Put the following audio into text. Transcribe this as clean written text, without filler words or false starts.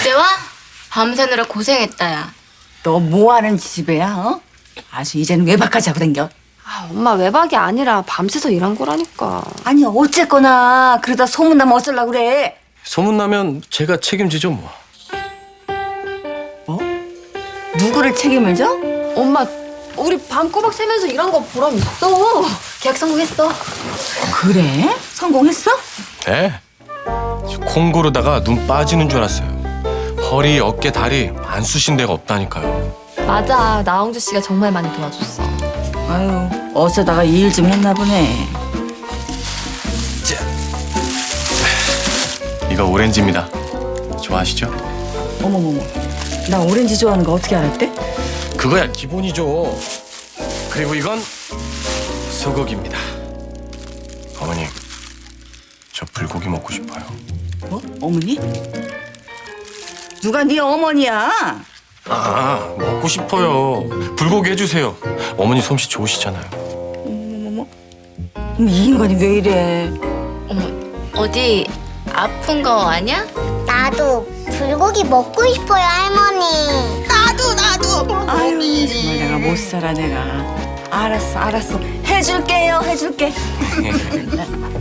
이제 와? 밤새느라 고생했다, 야. 너 뭐하는 지배야, 어? 아주 이제는 외박까지 하고 댕겨. 아, 엄마 외박이 아니라 밤새서 일한 거라니까. 아니 어쨌거나 그러다 소문나면 어쩌려고 그래. 소문나면 제가 책임지죠 뭐. 뭐? 누구를 책임을 져? 엄마, 우리 밤 꼬박 새면서 일한 거 보람 있어. 계약 성공했어. 그래? 성공했어? 네. 콩 고르다가 눈 빠지는 줄 알았어요. 허리, 어깨, 다리 안 쑤신 데가 없다니까요. 맞아, 나홍주 씨가 정말 많이 도와줬어. 아유 어쩌다가 이 일 좀 했나 보네. 이거 오렌지입니다. 좋아하시죠? 어머머머, 나 오렌지 좋아하는 거 어떻게 알았대? 그거야 기본이죠. 그리고 이건 소고기입니다. 어머니, 저 불고기 먹고 싶어요. 뭐? 어머니? 누가 네 어머니야? 아, 먹고 싶어요. 불고기 해주세요. 어머니 솜씨 좋으시잖아요. 어머머머, 이 인간이 왜 이래? 어머, 어디 아픈 거 아니야? 나도 불고기 먹고 싶어요, 할머니. 아유 정말 내가 못 살아 내가. 알았어 해줄게요 해줄게.